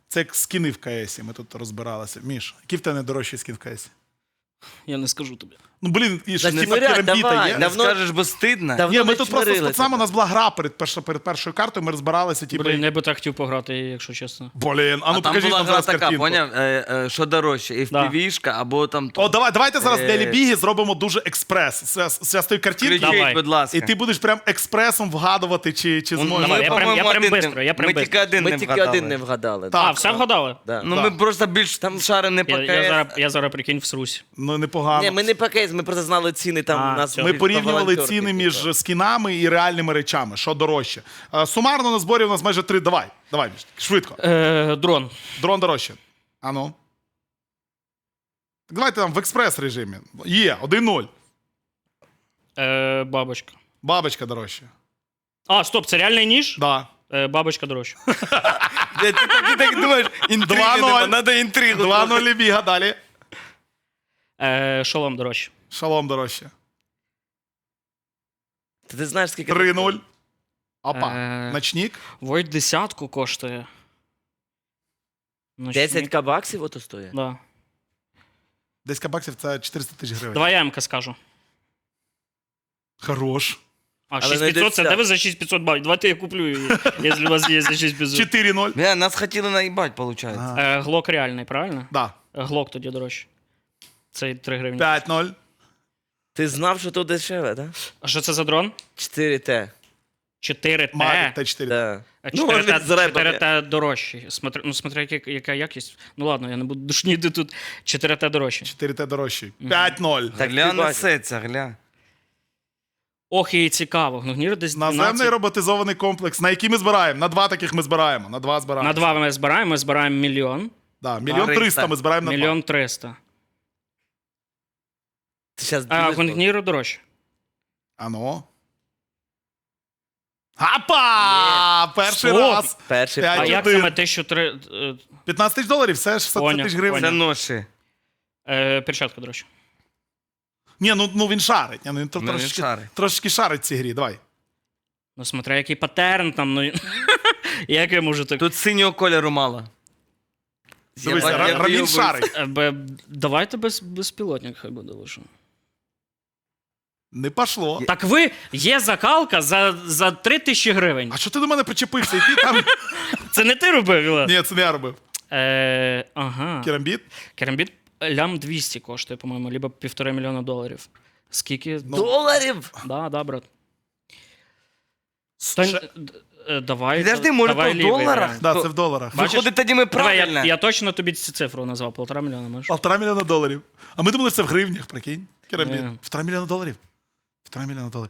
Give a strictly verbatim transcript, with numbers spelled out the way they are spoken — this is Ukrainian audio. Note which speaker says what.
Speaker 1: Це як скіни в КСі, ми тут розбиралися. Міш, який в тебе найдорожчий скін в КСі?
Speaker 2: Я не скажу тобі.
Speaker 1: Ну, блін, і ж
Speaker 3: Та не
Speaker 1: типа
Speaker 3: смиряй,
Speaker 1: керамбіта
Speaker 3: давай,
Speaker 1: є.
Speaker 3: давай.
Speaker 1: Не
Speaker 3: Давно-
Speaker 4: Скажеш, бо стидно.
Speaker 3: Давно
Speaker 1: Ні, ми
Speaker 3: не
Speaker 1: тут просто з
Speaker 3: чмирили
Speaker 1: пацанами, у
Speaker 3: тебе.
Speaker 1: нас була гра перед, першо- перед першою картою, ми розбиралися, типу,
Speaker 2: Блін, я би так хотів пограти, якщо чесно.
Speaker 1: блін, а ну
Speaker 4: А там
Speaker 1: покажіть
Speaker 4: була
Speaker 1: нам
Speaker 4: гра
Speaker 1: зараз
Speaker 4: така,
Speaker 1: картинку.
Speaker 4: поняв? Е, е, що дорожче, еф пі ві-шка або там...
Speaker 1: О, давай, давайте зараз для
Speaker 4: Е,
Speaker 1: Лібіги зробимо дуже експрес. Це, це з тої картинки,
Speaker 4: Кричіть,
Speaker 2: Давай.
Speaker 4: будь ласка.
Speaker 1: і ти будеш прям експресом вгадувати, чи, чи
Speaker 4: Ну,
Speaker 1: зможеш.
Speaker 2: Давай,
Speaker 4: ми,
Speaker 2: я прям-
Speaker 4: по-моєму,
Speaker 2: я прям
Speaker 4: один не-
Speaker 2: бистро, я прям
Speaker 4: Ми
Speaker 2: бистро.
Speaker 4: тільки один
Speaker 3: Ми
Speaker 4: не
Speaker 3: тільки
Speaker 4: вгадали.
Speaker 3: один не вгадали.
Speaker 1: Так.
Speaker 2: А, все вгадали?
Speaker 3: Да.
Speaker 4: Ну,
Speaker 1: Да.
Speaker 4: ми просто більш там шарені по
Speaker 2: Я, я, зараз,
Speaker 4: КС.
Speaker 2: я зараз, прикинь, всрусь.
Speaker 1: Ну, непогано.
Speaker 3: Ні, ми не по кейс, ми просто знали ціни там
Speaker 2: А,
Speaker 3: у нас.
Speaker 2: все.
Speaker 1: Ми
Speaker 3: по
Speaker 1: порівнювали
Speaker 3: волонтерки,
Speaker 1: ціни
Speaker 3: типу.
Speaker 1: між скінами і реальними речами. Що дорожче? Е, Сумарно на зборі у нас майже три. Давай, давай, Міш, швидко.
Speaker 2: Е, дрон.
Speaker 1: Дрон дорожче. А ну. Так давайте там в експрес режимі. Є, один нуль.
Speaker 2: Е, бабочка.
Speaker 1: Бабочка дорожче.
Speaker 2: А, стоп, це реальний ніж?
Speaker 1: Да.
Speaker 2: Е, бабочка дорожча.
Speaker 4: Ти так, ти так думаєш, інтриги
Speaker 1: Два
Speaker 4: нема,
Speaker 1: ноль.
Speaker 4: треба інтригу.
Speaker 1: Два
Speaker 4: трохи.
Speaker 1: нуль біга далі.
Speaker 2: Е, шолом дорожче.
Speaker 1: Шалом дорожче.
Speaker 3: Та ти знаєш, скільки...
Speaker 1: три нуль. Опа.
Speaker 2: Е.
Speaker 1: Ночник.
Speaker 2: Войт десятку коштує. Ночник.
Speaker 3: десять баксів ото стоїть?
Speaker 2: Да.
Speaker 1: десять баксів це чотириста тисяч гривень.
Speaker 2: Давай я МК скажу.
Speaker 1: Хорош.
Speaker 2: А,
Speaker 3: Але не
Speaker 2: шість п'ятсот, це
Speaker 3: десятку.
Speaker 2: де ви за шість п'ятсот бавите? Давайте я куплю її, якщо у вас є за шість п'ятсот.
Speaker 1: чотири нуль.
Speaker 4: Бля, нас хотіли наїбать, виходить.
Speaker 1: Ага.
Speaker 2: Е, Глок реальний, правильно?
Speaker 1: Да.
Speaker 2: Е, Глок тоді дорожче. Це три гривні.
Speaker 1: п'ять нуль.
Speaker 3: Ти знав, що тут дешеве, так?
Speaker 2: А що це за дрон?
Speaker 3: чотири Т.
Speaker 2: чотири Т.
Speaker 1: Мавік Т чотири.
Speaker 3: Да.
Speaker 2: А
Speaker 3: Ну,
Speaker 2: чотири Т,
Speaker 3: вони з репами.
Speaker 2: чотири Т дорожчі. Смотри, ну, смотри, яка, яка якість. Ну ладно, я не буду душніти тут. чотири Т дорожчі.
Speaker 1: чотири Т дорожчий. п'ять нуль.
Speaker 3: Так
Speaker 4: Гля
Speaker 3: ти бачиш.
Speaker 4: несеться, гля.
Speaker 2: Ох, і цікаво. Ну, гнір десь
Speaker 1: Наземний
Speaker 2: дванадцять.
Speaker 1: роботизований комплекс. На який ми збираємо? На два таких ми збираємо. На два збираємо.
Speaker 2: На два ми збираємо, ми збираємо мільйон.
Speaker 1: Да, мільйон
Speaker 4: триста.
Speaker 1: триста ми збираємо на
Speaker 2: Мільйон триста.
Speaker 3: Ти щас
Speaker 2: А
Speaker 3: дивись,
Speaker 2: Гонгніру дорожче.
Speaker 1: два. А ну. Апа! Перший
Speaker 2: Стоп!
Speaker 1: раз.
Speaker 3: перший
Speaker 1: П'ять.
Speaker 2: А
Speaker 3: пол.
Speaker 2: як
Speaker 1: один.
Speaker 2: саме тисячу три... е,
Speaker 1: п'ятнадцять тисяч доларів, це шістдесят
Speaker 2: Поняв,
Speaker 1: тисяч гривень.
Speaker 4: Це
Speaker 2: поняв.
Speaker 4: ноші.
Speaker 2: е, перчатка дорожче?
Speaker 1: Ні, ну, ну він шарить. Ні, ну, він тр-
Speaker 4: Ну, він
Speaker 1: трошечки,
Speaker 4: шарить.
Speaker 1: трошечки шарить в цій грі. Давай.
Speaker 2: Ну, смотря який паттерн там, ну... Як я можу так...
Speaker 4: Тут синього кольору мало.
Speaker 1: Дивись,
Speaker 4: Я-
Speaker 1: Ра-
Speaker 4: я
Speaker 1: Раміль
Speaker 4: виявив-
Speaker 1: шарить.
Speaker 2: Е, бе- Давайте без, безпілотник хай буде лише.
Speaker 1: Не пошло.
Speaker 2: Так ви, є закалка за, за три тисячі гривень.
Speaker 1: А що ти до мене причепився? Який там.
Speaker 2: Це не ти робив, Віла?
Speaker 1: Ні, це не я робив.
Speaker 2: Е, ага.
Speaker 1: Керамбіт?
Speaker 2: Керамбіт лям двісті коштує, по-моєму, либо півтора мільйона доларів. Скільки?
Speaker 1: Ну,
Speaker 3: Доларів?
Speaker 2: Да, да, брат. Та,
Speaker 1: Ще-
Speaker 2: д- е, давай,
Speaker 4: Підожди, може,
Speaker 2: давай
Speaker 4: то в
Speaker 2: лівий
Speaker 4: доларах?
Speaker 2: варіант.
Speaker 1: Да, це в доларах.
Speaker 2: Бачиш?
Speaker 4: Виходить, тоді ми
Speaker 2: Давай,
Speaker 4: правильно.
Speaker 2: я, я точно тобі цю цифру назвав, полтора мільйона, можеш?
Speaker 1: Полтора мільйона доларів. А ми думали, це в гривнях, прикинь. Керамбіт.
Speaker 2: Ні.
Speaker 1: Півтора мільйона доларів. Півтора мільйона доларів.